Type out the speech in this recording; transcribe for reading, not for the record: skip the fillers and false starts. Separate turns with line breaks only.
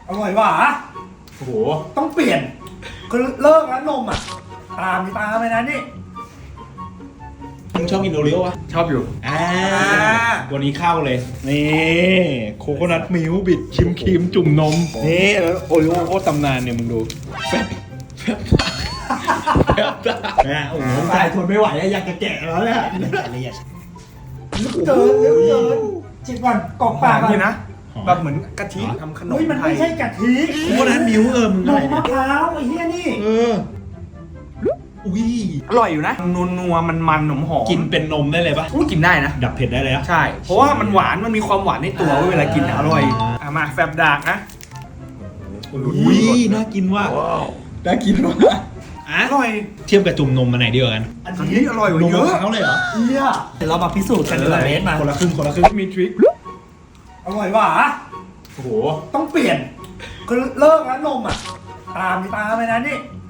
อร่อยหว่ะ
โอ้โห
ต้องเปลี่ยนคือเลิกแล้วนมอ่ะตามไปนะนี่
มึงชอบกินโอรีโอวะ
ชอบอยู่
วันนี้เข้าเลย นี่โคโคนัทมิลค์บิดชิมครีมจุ่มนม นี่แล้วโอรีโอโคตรตำนานเนี่ยมึงดูแฟบแฟบแฟบนะโอ้โห
ตายทนไม่ไหวแล้วอยากจะแกะแล้วเนี่ย
ละเอียด
เกินจิบก่อนกรอกปากก่อน
นี่นะแบบเหมือนกะทิทำขนม
เฮ้ยมัน
ไท
ไม่
ย
ใช่กะทิ
โคโคนัทมิลค์มึง
น
อะไร
ม
เนี่
มะ
ย
พร้าวไอ้เหี้ยนี่
อุ้ย
อร่อยอยู่นะนัวมันหอมหอม
กินเป็นนมได้เลยปะ
กินได้นะ
ดับเผ็ดได้เลยอะ
ใช่ เพราะว่ามันหวานมันมีความหวานในตัวเวลากินอร่อยมาแฟบดากนะ
อุ้ยน่ากินว่ะน่ากินว่ะอ่ะ
อร่อย
เทียบกับจุ่มนมมาไหนดีกว่ากัน
อัน
อัน
นี้
นี้อร่อยก
น
ว่าม เย
มะ
อะ
พร้าวเลยเหรอ
เหี้ยเดี๋ยวเรามาพิสูจน์กันดีกว่าเบสมา
คนละครึ่งคนละครึ่งมีทริค
อร่อยหว่ะ
โอ้โห
ต้องเปลี่ยนคือเลิกแล้วนมอ่ะตามไปนะนี่